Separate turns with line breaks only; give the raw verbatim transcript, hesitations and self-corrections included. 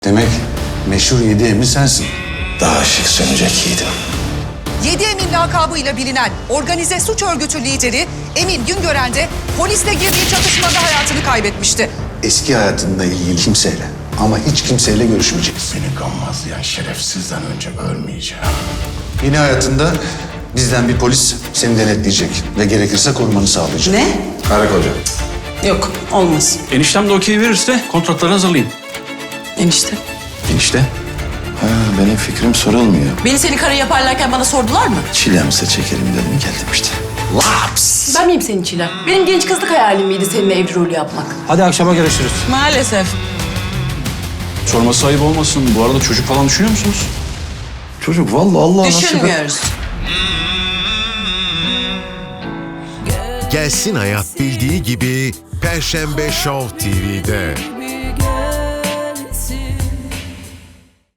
Demek meşhur Yedi Emin sensin.
Daha şık sönecek yiğidim.
Yedi Emin lakabıyla bilinen organize suç örgütü lideri Emin Güngören de polisle girdiği çatışmada hayatını kaybetmişti.
Eski hayatınla ilgili kimseyle ama hiç kimseyle görüşmeyeceksin.
Beni gammazlayan şerefsizden önce ölmeyeceğim.
Yeni hayatında bizden bir polis seni denetleyecek ve gerekirse korumanı sağlayacak.
Ne?
Karı koca.
Yok, olmaz.
Eniştem de okey verirse kontratları hazırlayayım.
Enişte.
Enişte?
Ha, benim fikrim sorulmuyor.
Beni seni karı yaparlarken bana sordular mı?
Çilemse çekelim dedim geldim işte. Laps!
Ben miyim senin çilem? Benim genç kızlık hayalim miydi seninle evli rolü yapmak?
Hadi akşama görüşürüz.
Maalesef.
Sorması ayıp olmasın. Bu arada çocuk falan düşünüyor musunuz?
Çocuk vallahi Allah nasip et.
Düşünmüyoruz.
Gelsin Hayat bildiği gibi Perşembe Show T V'de.